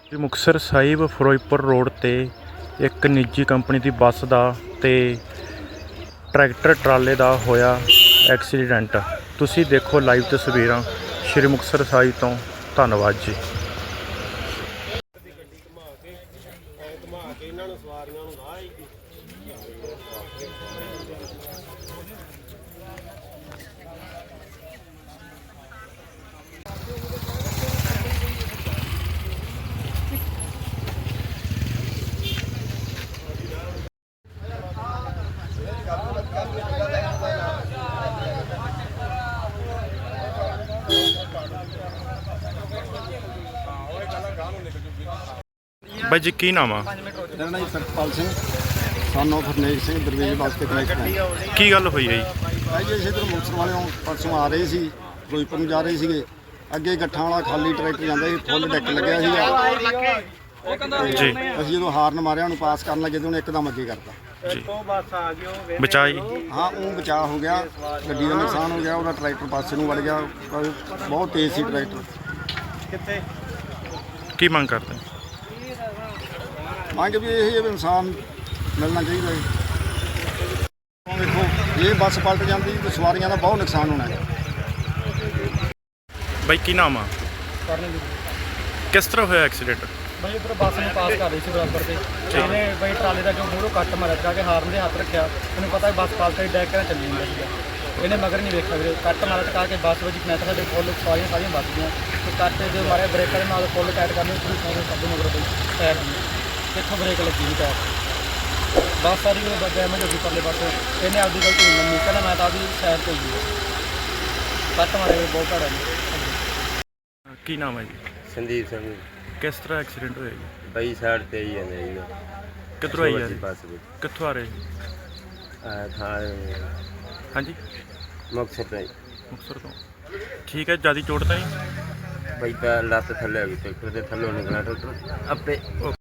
ਮੁਕਤਸਰ ਸਾਹਿਬ Firozpur road ਤੇ ਇੱਕ ਨਿੱਜੀ ਕੰਪਨੀ ਦੀ ਬੱਸ ਦਾ ਤੇ ਟਰੈਕਟਰ ਟਰਾਲੇ ਦਾ ਹੋਇਆ ਐਕਸੀਡੈਂਟ। ਤੁਸੀਂ ਦੇਖੋ ਲਾਈਵ ਤਸਵੀਰਾਂ ਸ਼੍ਰੀ ਮੁਕਤਸਰ ਸਾਹਿਬ ਤੋਂ। ਧੰਨਵਾਦ ਜੀ। ਬਾਈ ਜੀ ਕੀ ਨਾਮ ਆ? ਮੇਰਾ ਨਾਮ ਸਤਪਾਲ ਸਿੰਘ ਸਾਨੂੰ ਫਰਨੇਕ ਸਿੰਘ ਦਰਵੇਸ਼ ਵਾਸਤੇ ਕਨੈਕਟ ਹੈ। ਕੀ ਗੱਲ ਹੋਈ ਹੈ ਜੀ? ਭਾਈ ਜੀ ਅਸੀਂ ਇੱਧਰ ਮੁਕਤਸਰ ਵਾਲਿਓਂ ਪਰਸੋਂ ਆ ਰਹੇ ਸੀ, ਫਿਰੋਜ਼ਪੁਰ ਨੂੰ ਜਾ ਰਹੇ ਸੀਗੇ। ਅੱਗੇ ਗੱਠਾਂ ਵਾਲਾ ਖਾਲੀ ਟਰੈਕਟਰ ਜਾਂਦਾ ਸੀ, ਫੁੱਲ ਡੈਕ ਲੱਗਿਆ ਸੀਗਾ ਜੀ। ਅਸੀਂ ਜਦੋਂ ਹਾਰਨ ਮਾਰਿਆ ਉਹਨੂੰ ਪਾਸ ਕਰਨ ਲੱਗੇ ਤੇ ਉਹਨੇ ਇੱਕਦਮ ਅੱਗੇ ਕਰਤਾ ਜੀ ਬਚਾਈ? ਹਾਂ ਉਹ ਬਚਾਅ ਹੋ ਗਿਆ, ਗੱਡੀ ਦਾ ਨੁਕਸਾਨ ਹੋ ਗਿਆ, ਉਹਦਾ ਟਰੈਕਟਰ ਪਾਸੇ ਨੂੰ ਵੜ ਗਿਆ। ਬਹੁਤ ਤੇਜ਼ ਸੀ ਟਰੈਕਟਰ। ਕੀ ਮੰਗ ਕਰਦੇ? ਮੰਗ ਵੀ ਇਹ ਹੈ ਵੀ ਇਨਸਾਨ ਮਿਲਣਾ ਚਾਹੀਦਾ ਹੈ। ਦੇਖੋ ਇਹ ਬੱਸ ਪਲਟ ਜਾਂਦੀ ਤਾਂ ਸਵਾਰੀਆਂ ਦਾ ਬਹੁਤ ਨੁਕਸਾਨ ਹੋਣਾ ਹੈ। ਬਾਈ ਕੀ ਨਾਮ ਆ? ਕਿਸ ਤਰ੍ਹਾਂ ਹੋਇਆ ਐਕਸੀਡੈਂਟ? भाई उधर बस में पास कर रही थी बराबर से ਇਹਨੇ भाई ट्राले का जो मूहरों कट मारा जा के हाਰਨ ਦੇ ਹੱਥ ਰੱਖਿਆ। ਉਹਨੂੰ ਪਤਾ ਬਸ ਪਾਸ ਤੇ ਡੈਕ ਨਾਲ ਚੱਲੀ ਜਾਂਦੀ ਸੀ। ਇਹਨੇ ਮਗਰ ਨਹੀਂ ਵੇਖਿਆ ਵੀਰੇ, ਕੱਟ ਮਾਰਾ ਟਕਾ ਕੇ ਬੱਸ ਵਿੱਚ ਕਨੈਕਟਰ ਦੇ ਫੁੱਲ ਸਾਰੀਆਂ ਬਚ ਗਈਆਂ। ਤੇ ਕੱਟ ਜੋ ਮਾਰੇ ਬ੍ਰੇਕਾਂ ਦੇ ਨਾਲ ਫੁੱਲ ਟਾਈਟ ਕਰਨੀ ਪੂਰੀ ਸਾਰੇ ਸਭ ਮਗਰ ਪਈ ਟਾਇਰ ਦੀ ਕਿੱਥੋਂ ਬ੍ਰੇਕ ਲੱਗੀ ਨਹੀਂ ਟਾਇਰ ਬੱਸ ਸਾਰੀ ਉਹ ਡੈਮੇਜ ਹੋ ਗਈ ਪਰਲੇ ਪਾਸੇ। ਇਹਨੇ ਆਪਦੀ ਗਲਤੀ ਨਹੀਂ ਮੰਨੀ, ਕਹਿੰਦਾ ਮੈਂ ਤਾਂ ਆਪਦੀ ਸਾਈਡ ਤੇ ਹੀ ਕੱਟ ਮਾਰੇ ਬਹੁਤ ਭੈੜਾ ਜੀ। ਕੀ ਨਾਮ ਹੈ ਜੀ? ਸੰਦੀਪ ਸਿੰਘ। ਕਿਸ ਤਰ੍ਹਾਂ ਐਕਸੀਡੈਂਟ ਹੋਇਆ ਜੀ? ਬਈ ਸਾਈਡ ਤੇ ਹੀ ਜਾਂਦੇ ਜੀ। ਕਿੱਧਰੋਂ ਆਈ ਹੈ? ਬੱਸ ਵਿੱਚ ਕਿੱਥੋਂ ਆ ਰਹੇ? ਥਾਂ ਹਾਂਜੀ ਮੁਕਤਸਰ ਤੋਂ ਜੀ। ਮੁਕਤਸਰ ਤੋਂ। ਠੀਕ ਹੈ, ਜਿਆਦਾ ਚੋਟ ਤਾਂ ਨਹੀਂ? ਬਈ ਤਾਂ ਲੱਤ ਥੱਲੇ ਆ ਗਈ, ਟਰੈਕਟਰ ਦੇ ਥੱਲੋਂ ਨਿਕਲਿਆ ਟਰੈਕਟਰ ਆਪੇ।